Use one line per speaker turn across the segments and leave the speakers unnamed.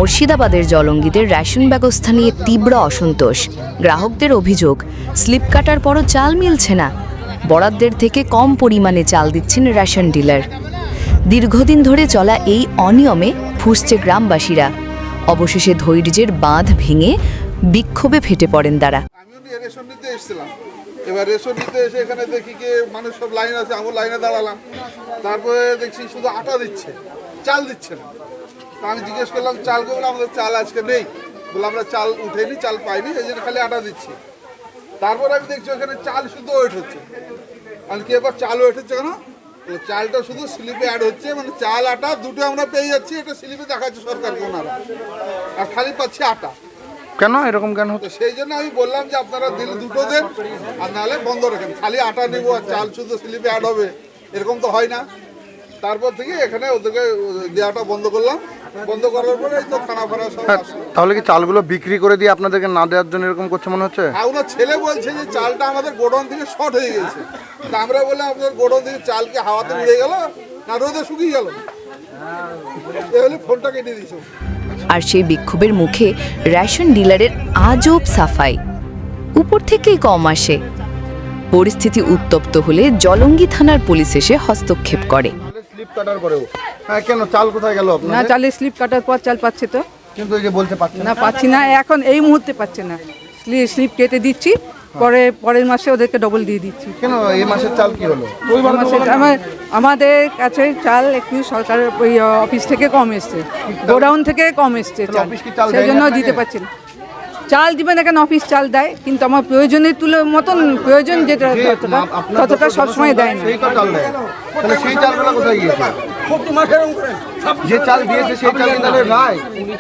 মুর্শিদাবাদের জলঙ্গিদের রেশন ব্যবস্থা নিয়ে তীব্র অসন্তোষ। গ্রাহকদের অভিযোগ, স্লিপ কাটার পরও চাল মিলছে না। বরাদ্দের থেকে কম পরিমাণে চাল দিচ্ছেন রেশন ডিলার। দীর্ঘদিন ধরে চলা এই অনিয়মে ফুঁসছে গ্রামবাসীরা। অবশেষে ধৈর্যের বাঁধ ভেঙে বিক্ষোভে ফেটে পড়েন তারা।
আমিও রেশন নিতে এসেছিলাম। এবার রেশন নিতে এসে এখানে দেখি কি মানুষ সব লাইন আছে, আমি লাইনে দাঁড়ালাম। তারপরে দেখছি শুধু আটা দিচ্ছে, চাল দিচ্ছে না। আমি জিজ্ঞেস করলাম চাল করবো, আমাদের চাল আজকে নেই। বলে আমরা চাল উঠেনি, চাল পাইনি, এই জন্য খালি আটা দিচ্ছি। তারপরে আমি দেখছি ওখানে চাল শুধু ওয়েট হচ্ছে। আমি কি এবার চাল ওয়েট হচ্ছে কেন? চালটা শুধু স্লিপে অ্যাড হচ্ছে, মানে চাল আটা দুটো আমরা পেয়ে যাচ্ছি, এটা স্লিপে দেখাচ্ছে সরকারকে ওনারা, আর খালি পাচ্ছি আটা।
কেন এরকম কেন হতো?
সেই জন্য আমি বললাম যে আপনারা দিলে দুটো দেন, আর নাহলে বন্ধ রাখেন। খালি আটা নেবো আর চাল শুধু স্লিপে অ্যাড হবে, এরকম তো হয় না। তারপর থেকে এখানে ওদেরকে দেওয়াটা বন্ধ করলাম। বন্ধ করার পরে এই তো থানা ফানা সব আসলো।
তাহলে কি চালগুলো বিক্রি করে দিয়ে আপনাদেরকে না দেওয়ার জন্য এরকম করছে মনে হচ্ছে?
আর ওনার ছেলে বলছে যে চালটা আমাদের গোডাউন থেকে শর্ট হয়ে গেছে। তা আমরা বললাম আপনাদের গোডাউন থেকে চাল কি হাওয়াতে উড়ে গেল না রোদে শুকিয়ে গেল? তাহলে ফোনটা কেটে দিয়েছে।
আর সেই বিক্ষোভের মুখে রেশন ডিলারের আজব সাফাই। উপর থেকেই কম আসে। পরিস্থিতি উত্তপ্ত হলে জলঙ্গি থানার পুলিশ এসে হস্তক্ষেপ করে।
স্লিপ কাটার পরেও হ্যাঁ, কেন চাল কোথায় গেল আপনার?
না, চালে স্লিপ কাটার পর চাল পাচ্ছে তো।
কিন্তু এই যে বলতে পারছেন
না, পাচ্ছি না, এখন এই মুহূর্তে পাচ্ছে না। স্লিপ কেটে দিচ্ছি, পরের মাসে ওদেরকে ডবল দিয়ে দিচ্ছি।
কেন এই মাসের চাল কি হলো?
আমাদের কাছে চাল একটু সরকারের ওই অফিস থেকে কম এসছে, গোডাউন থেকে কম এসছে চাল,
অফিস কি চাল
সেই জন্য
দেয় না
দিতে
আপনাকে?
পারছি না। চাল দিবে না কেন, অফিস চাল দেয়, কিন্তু আমার প্রয়োজনের মতন প্রয়োজন যেটা ততটা সবসময় দেয় না।
সেই তো চাল দেয়, তাহলে সেই চালগুলো কোথায় গিয়েছে? যে চাল দিয়েছে সেই চাল কি তাহলে নাই?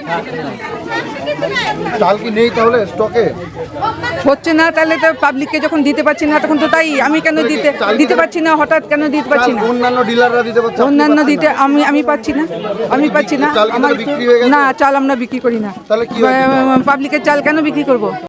চাল কি নেই তাহলে স্টকে?
হচ্ছে না, তাহলে তো পাবলিককে যখন দিতে পারছি না তখন তো তাই। আমি কেন দিতে পারছি না, হঠাৎ কেন দিতে পারছি না?
অন্যান্য ডিলাররা দিতে পারছে,
অন্যান্য দিতে আমি পাচ্ছি না,
চাল কি
আমার
বিক্রি হয়ে গেছে?
না, চাল আমরা বিক্রি করি না।
তাহলে কি
পাবলিকের চাল কেন বিক্রি করব?